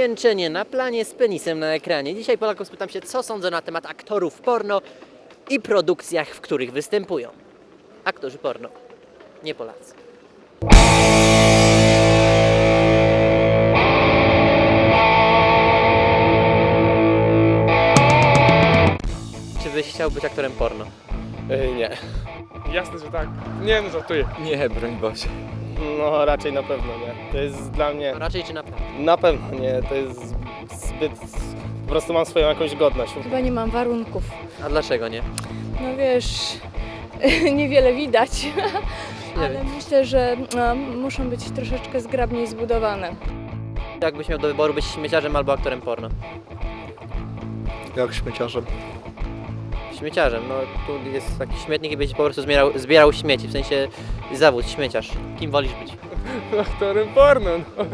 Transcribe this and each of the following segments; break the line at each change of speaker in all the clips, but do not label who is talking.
Zwieńczenie na planie z penisem na ekranie. Dzisiaj Polaków spytam się, co sądzą na temat aktorów porno i produkcjach, w których występują. Aktorzy porno, nie Polacy. Czy byś chciał być aktorem porno?
Nie. Jasne, że tak. Nie, no żartuję.
Nie, broń Boże.
No raczej na pewno nie. To jest dla mnie...
To raczej czy na pewno?
Na pewno nie, to jest zbyt... Po prostu mam swoją jakąś godność.
Chyba nie mam warunków.
A dlaczego nie?
No wiesz, niewiele widać, ale
wiem.
myślę, że muszą być troszeczkę zgrabniej zbudowane.
Jakbyś miał do wyboru być śmieciarzem albo aktorem porno?
Jak śmieciarzem.
Śmieciarzem, no tu jest taki śmietnik i byś po prostu zbierał śmieci, w sensie zawód, śmieciarz. Kim wolisz być?
Aktorem porno, no.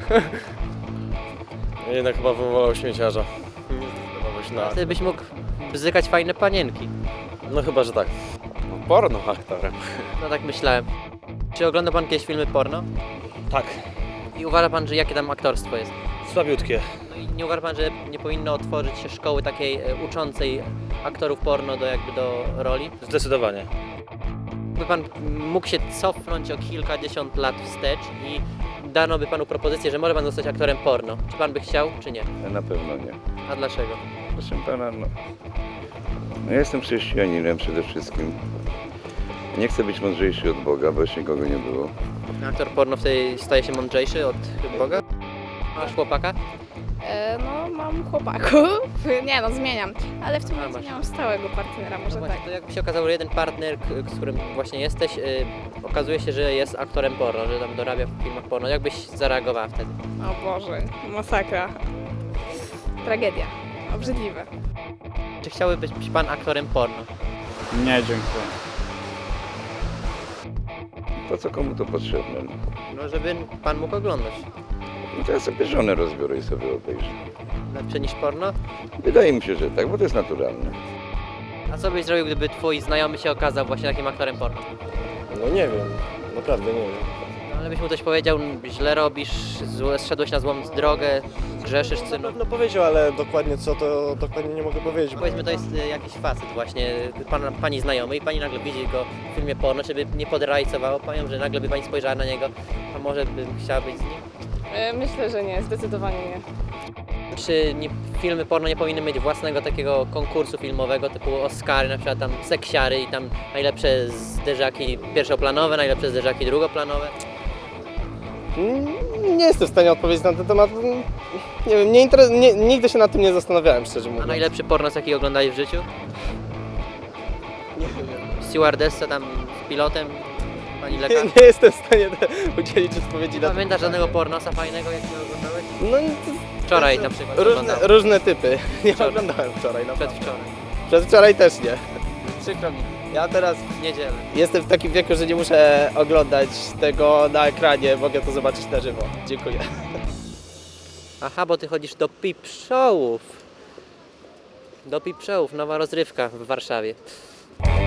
Jednak chyba bym wolał śmieciarza.
Wtedy byś mógł bzykać fajne panienki.
No chyba, że tak. Porno aktorem.
No tak myślałem. Czy ogląda pan kiedyś filmy porno?
Tak.
I uważa pan, że jakie tam aktorstwo jest?
Słabiutkie.
No i nie uważa pan, że nie powinno otworzyć się szkoły takiej uczącej aktorów porno do roli?
Zdecydowanie.
By pan mógł się cofnąć o kilkadziesiąt lat wstecz i dano by panu propozycję, że może pan zostać aktorem porno. Czy pan by chciał, czy nie?
Na pewno nie.
A dlaczego?
Proszę pana, no ja jestem chrześcijaninem przede wszystkim. Nie chcę być mądrzejszy od Boga, bo jeszcze nikogo nie było.
Aktor porno wtedy staje się mądrzejszy od Boga? Masz chłopaka?
No, mam chłopaków. Nie no, zmieniam. Ale w tym momencie
masz.
nie mam stałego partnera, może
No właśnie,
tak.
to jakby się okazało, że jeden partner, z którym właśnie jesteś, okazuje się, że jest aktorem porno, że tam dorabia w filmach porno. Jak byś zareagowała wtedy?
O Boże, masakra. Tragedia. Obrzydliwe.
Czy chciałby być pan aktorem porno?
Nie, dziękuję.
Po co komu to potrzebne? No.
No, żeby pan mógł oglądać.
I to ja sobie żonę rozbiorę i sobie obejrzę.
Lepsze niż porno?
Wydaje mi się, że tak, bo to jest naturalne.
A co byś zrobił, gdyby twój znajomy się okazał właśnie takim aktorem porno?
No nie wiem. Naprawdę nie wiem.
No, ale byś mu coś powiedział, źle robisz, zszedłeś na złą drogę, grzeszysz,
Na
synu.
pewno powiedział, ale dokładnie co, to dokładnie nie mogę powiedzieć.
Powiedzmy, to jest jakiś facet właśnie, pani znajomy i pani nagle widzi go w filmie porno, czy by nie podrajcowało panią, że nagle by pani spojrzała na niego, a może bym chciała być z nim?
Myślę, że nie, zdecydowanie nie.
Czy filmy porno nie powinny mieć własnego takiego konkursu filmowego typu Oscary, na przykład tam seksiary i tam najlepsze zderzaki pierwszoplanowe, najlepsze zderzaki drugoplanowe?
Nie jestem w stanie odpowiedzieć na ten temat. Nie wiem, nigdy się nad tym nie zastanawiałem, szczerze
A
mówiąc.
najlepszy pornos, jaki oglądali w życiu?
Nie wiem.
Stewardessa tam z pilotem, pani lekarz?
Nie jestem w stanie udzielić odpowiedzi na to.
Pamiętasz żadnego pornosa fajnego, jakiego oglądałeś?
No,
Wczoraj na przykład oglądałem.
różne typy. Nie
Wczoraj.
oglądałem wczoraj, naprawdę.
Przedwczoraj.
Przedwczoraj też nie.
Przykro mi,
Ja teraz
w niedzielę.
jestem w takim wieku, że nie muszę oglądać tego na ekranie, mogę to zobaczyć na żywo. Dziękuję.
Aha, bo ty chodzisz do peep showów. Do peep showów, nowa rozrywka w Warszawie.